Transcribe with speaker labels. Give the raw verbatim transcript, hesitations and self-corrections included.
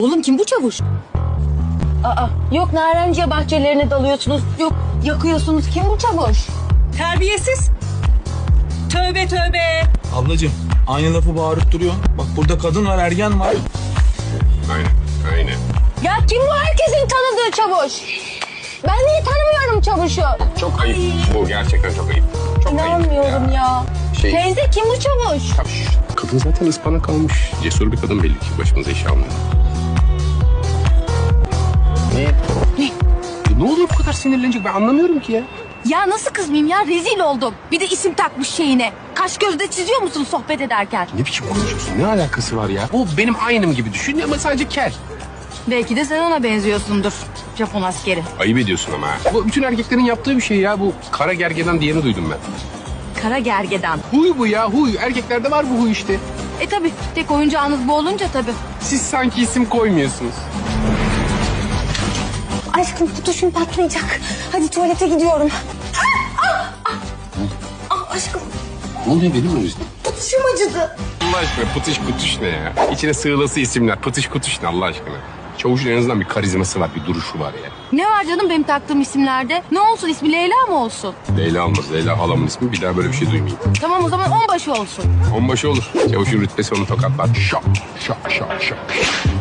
Speaker 1: Oğlum kim bu çavuş? Aa, yok narenciye bahçelerine dalıyorsunuz, yok yakıyorsunuz. Kim bu çavuş?
Speaker 2: Terbiyesiz. Tövbe tövbe.
Speaker 3: Ablacığım aynı lafı bağırıp duruyor. Bak burada kadın var, ergen var.
Speaker 4: Aynen, aynen.
Speaker 1: Ya kim bu herkesin tanıdığı çavuş? Ben niye tanımıyorum çavuşu?
Speaker 4: Çok ayıp. Bu gerçekten çok ayıp. Çok
Speaker 1: İnanmıyorum
Speaker 4: ayıp
Speaker 1: ya.
Speaker 4: Şey-
Speaker 1: Teyze kim bu çavuş?
Speaker 4: Şş, Kadın zaten ıspanak almış. Cesur bir kadın belli ki. Başımıza iş almıyor. Ne?
Speaker 1: Ne?
Speaker 4: Ya ne olur bu kadar sinirlenecek, ben anlamıyorum ki ya.
Speaker 1: Ya nasıl kızmayayım ya, rezil oldum. Bir de isim takmış şeyine. Kaş gözde çiziyor musun sohbet ederken?
Speaker 4: Ne biçim konuşuyorsun? Ne alakası var ya? Bu benim aynım gibi düşün ama sadece kel.
Speaker 1: Belki de sen ona benziyorsundur. Japon askeri.
Speaker 4: Ayıp ediyorsun ama ha. Bu bütün erkeklerin yaptığı bir şey ya. Bu kara gergedan diyeni duydum ben.
Speaker 1: Kara gergedan.
Speaker 4: Huy bu ya, huy. Erkeklerde var bu huy işte.
Speaker 1: E tabi tek oyuncağınız bu olunca tabi.
Speaker 4: Siz sanki isim koymuyorsunuz.
Speaker 1: Aşkım tutuşum patlayacak. Hadi tuvalete gidiyorum. Ah, ah, ah. Ah, aşkım
Speaker 4: Ne oluyor, benim mi yüzüm?
Speaker 1: tutuşum acıdı.
Speaker 4: Allah aşkına pıtış kutuş ne ya? İçine sığılası isimler. Pıtış kutuş ne Allah aşkına? Çavuşun en azından bir karizması var, bir duruşu var ya.
Speaker 1: Ne var canım benim taktığım isimlerde? Ne olsun, ismi Leyla mı olsun?
Speaker 4: Leyla olmaz. Leyla halamın ismi. Bir daha böyle bir şey duymayayım.
Speaker 1: Tamam o zaman onbaşı olsun.
Speaker 4: Onbaşı olur. Çavuşun rütbesi onu tokatlar. Şak, şak, şak, şak.